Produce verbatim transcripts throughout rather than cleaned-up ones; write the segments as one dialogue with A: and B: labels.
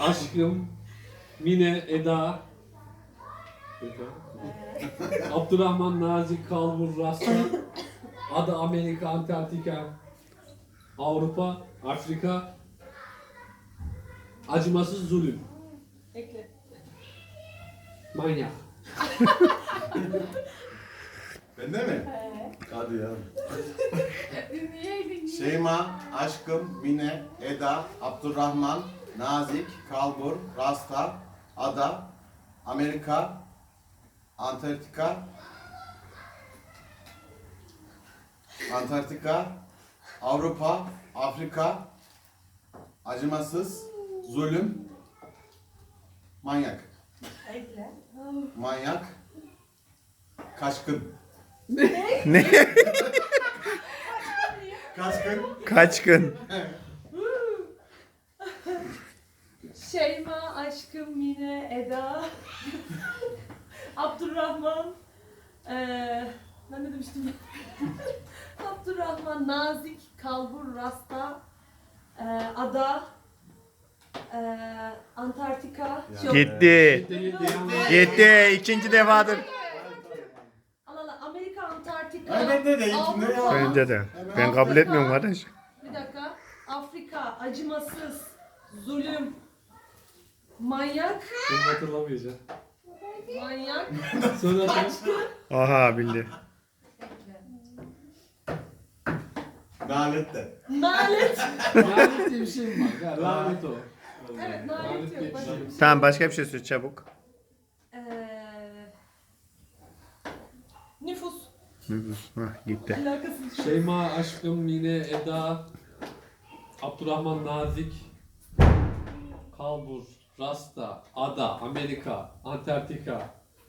A: Aşkım, Mine, Eda, Abdurrahman, Nazik, Kalbur, Rasta, Ada, Amerika, Antarktika, Avrupa, Afrika, Acımasız Zulüm,
B: Ekle.
A: Manyak.
C: Bende mi?
B: He.
C: Hadi ya.
B: Ünlüyeydin.
C: Şeyma, Aşkım, Mine, Eda, Abdurrahman, Nazik, Kalbur, Rasta, Ada, Amerika, Antarktika, Antarktika, Avrupa, Afrika, Acımasız, Zulüm, Manyak.
B: Ekle.
C: Manyak, Kaçkın.
D: Ne?
C: Kaçkın.
D: Kaç gün?
B: Şeyma, Aşkım, Mine, Eda, Abdurrahman, eee ben ne demiştim? Abdurrahman, Nazik, Kalbur, Rasta, eee Ada, eee Antarktika. Yok.
D: Gitti. Gitti. İkinci defadır.
B: Allah Allah, Amerika, Antarktika.
C: Ay, bende de ilkinde ya.
B: Avrupa-
D: Önce de. Ben kabul etmiyorum kardeş.
B: Bir dakika. Afrika, acımasız, zulüm, manyak,
A: Bunu hatırlamayacağım.
B: manyak.
A: Sonra da
D: Aha bildi.
C: Nalet de.
B: Nalet.
A: lanet diye bir şey mi var? Ya, lanet o.
B: Evet,
A: Lanet
B: nalet
A: diye bir
B: yok. Başka
A: şey
B: bir
A: yok.
B: şey.
D: Tamam başka bir şey söyle çabuk.
B: Eee nüfus.
D: Hah, gitti.
B: Alakasız.
A: Şeyma, Aşkım, Mine, Eda, Abdurrahman, Nazik, Kalbur, Rasta, Ada, Amerika, Antarktika,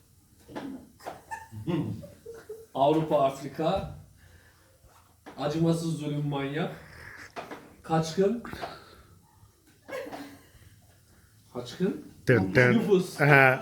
A: Avrupa, Afrika, Acımasız Zulüm, Manyak, Kaçkın, Kaçkın,
D: Dın dın.
A: Nüfus,
D: Aha.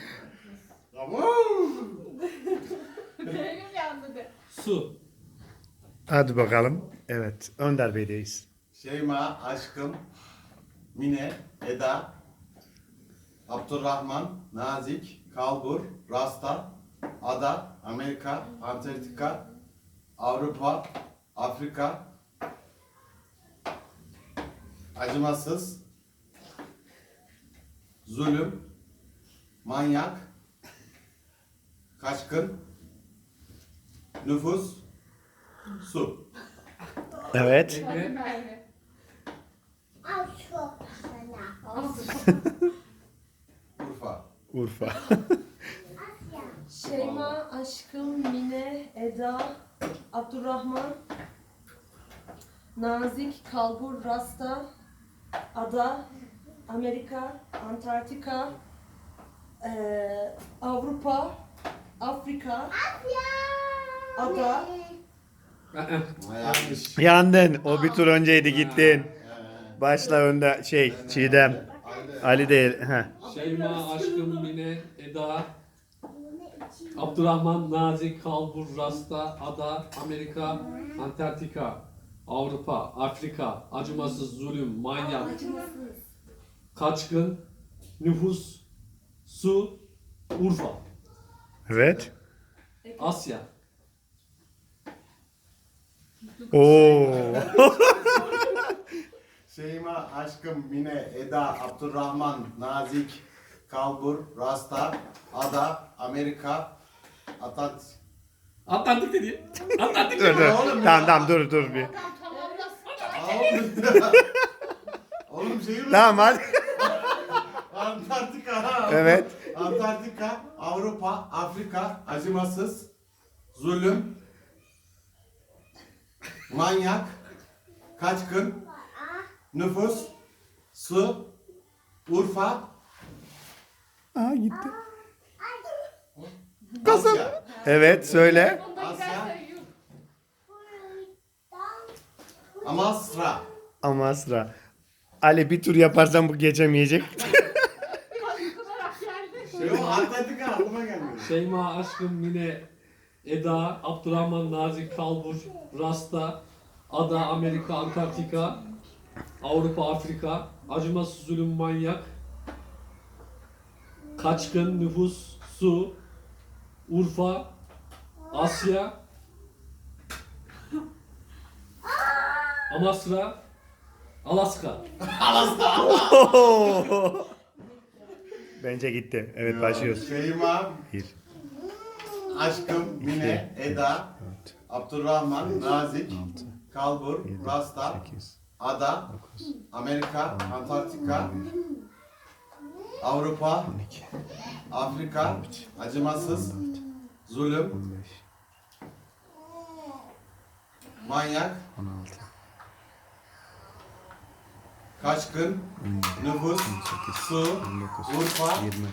B: Benim yandı de.
A: Su.
D: Hadi bakalım. Evet. Önder Bey'deyiz.
C: Şeyma, Aşkım, Mine, Eda, Abdurrahman, Nazik, Kalbur, Rasta, Ada, Amerika, Antarktika, Avrupa, Afrika, Acımasız, Zulüm, Manyak, Kaçkın, Nüfus, Su.
D: Evet.
A: Ekle.
C: Urfa.
D: Urfa.
B: Şeyma, Aşkım, Mine, Eda, Abdurrahman, Nazik, Kalbur, Rasta, Ada, Amerika, Antarktika, eee Avrupa, Afrika, Ada,
C: Yanlış.
D: Yandın. O bir tur önceydi gittin.
C: Ee,
D: Başla önde şey Çiğdem. Ali değil. Heh.
A: Şeyma, Aşkım, Mine, Eda, Abdurrahman, Nazik, Kalbur, Rasta, Ada, Amerika, Antarktika, Avrupa, Afrika, Acımasız Zulüm, Manyak, Kaçkın, Nüfus, Su, Urfa,
D: Evet.
A: Asya.
D: Oo.
C: Şeyma, Aşkım, Mine, Eda, Abdurrahman, Nazik, Kalbur, Rasta, Ada, Amerika, Atat.
A: Atlantik dedi. Atlantik
D: dur
A: dedi.
D: dur.
C: Oğlum ya.
D: Tamam tamam dur dur bir.
C: Oğlum, Oğlum şehir mi?
D: Tamam hadi.
C: Antarktika.
D: Evet.
C: Antarktika, Avrupa, Afrika, acımasız, zulüm, manyak, kaçkın, nüfus, su, Urfa,
D: Aa gitti.
C: Asya.
D: Evet söyle.
C: Asya, Amasra.
D: Amasra. Ali bir tur yaparsan bu geçemeyecek.
C: Yok, Antarktika aklıma gelmiyor.
A: Şeyma, Aşkım, Mine, Eda, Abdurrahman, Nazik, Kalbur, Rasta, Ada, Amerika, Antarktika, Avrupa, Afrika, Acımasız Zulüm, Manyak, Kaçkın, nüfus, su, Urfa, Asya, Amasra, Alaska.
D: Bence gitti. Evet başlıyoruz.
C: Şeyma,
D: Bir,
C: Aşkım, Mine, Eda,
D: dört,
C: Abdurrahman, Nazik,
D: altı,
C: Kalbur,
D: yedi,
C: Rasta,
D: sekiz,
C: Ada,
D: dokuz,
C: Amerika, Antarktika, Avrupa,
D: on iki,
C: Afrika, Acımasız, Zulüm,
D: on beş,
C: Manyak,
D: on altı,
C: Kaçkın,
D: on yedi,
C: Nüfus,
D: on sekiz,
C: Su,
D: on dokuz,
C: Urfa,
D: yirmi,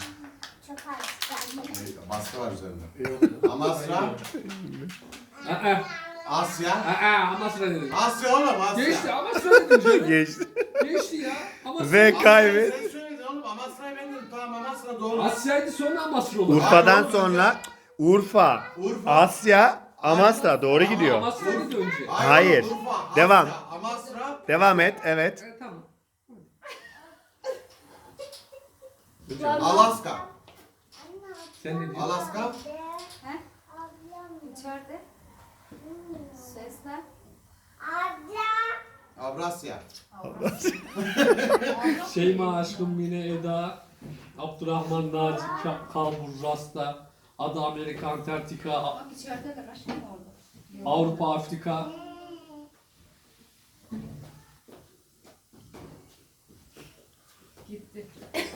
C: baskı var üzerinde.
A: Yok.
C: Amasra,
A: Aa,
C: Asya,
A: aa, Amasra dedim.
C: Asya oğlum Asya.
A: Geçti Amasra dedim canım.
D: geçti.
A: Geçti ya. Amasra.
D: Ve
C: Asya'yı
D: kaybet.
C: Sen söyledin oğlum Amasra'yı ben dedim tamam Amasra doğru.
A: Asya'ydı sonra Amasra olur.
D: Urfa'dan
C: Hayır,
D: sonra Urfa,
C: Urfa.
D: Asya, Amasra doğru
A: Ama
D: gidiyor.
A: Amasra'ydı önce.
D: Hayır.
C: oğlum, Urfa, Asya,
D: Devam.
C: Amasra,
D: Devam et. Evet.
A: Evet, tamam.
C: Alaska.
A: Sen ne diyorsun?
C: Alaska,
E: İçeride. Seslen.
C: Avrasya.
A: Şeyma, Aşkım, Mine, Eda, Abdurrahman, Naci, Ka- Kalbur, Rasta, Ada, Amerika, Antarktika, A-
E: Bak içerideler aşkım orada.
A: Avrupa, Afrika,
E: Gitti.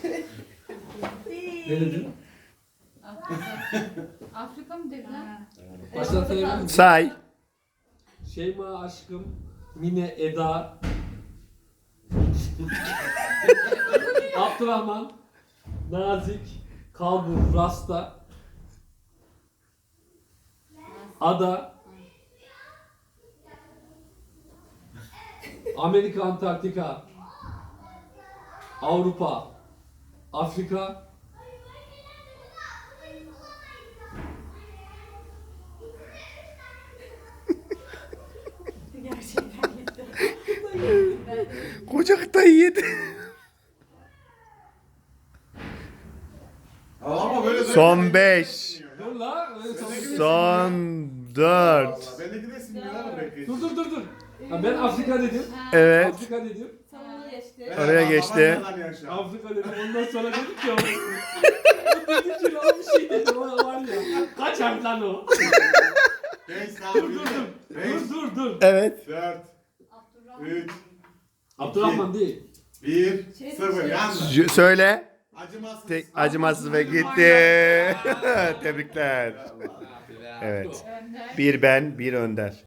A: ne dedin?
E: Afrika. Afrika mı dediler?
A: Başlatabilir miyim?
D: Say.
A: Şeyma, Aşkım, Mine, Eda, Abdurrahman, Nazik, Kalbur, Rasta, Ada, Amerika, Antarktika, Avrupa, Afrika,
B: Gerçekten gitti.
D: Koca kıtayı yedi.
C: Ama böyle
D: Son beş.
A: dur la, öyle tamam.
D: Son dört.
C: Ben de gidesin bir ara bekleyin.
A: Dur dur dur dur. Ha, ben Afrika dedim.
D: Evet.
A: Afrika dedim.
B: Sana geçti.
D: Oraya geçti.
A: Afrika dedim. Ondan sonra dedim ki o. O dedi ki lan bir şey dedi. O var ya. Kaç harf lan o?
C: beş,
A: Dur dur dur. Dur dur dur.
D: Evet.
C: dört,
E: Abdurrahman.
C: üç,
A: Abdurrahman değil.
C: bir,
B: Şey-
C: sıfır.
B: şey-
C: Yandı.
D: J- söyle.
C: Acımasız.
D: Tek acımasız ve gitti. Tebrikler. Evet.
E: Önder.
D: Bir ben, bir Önder.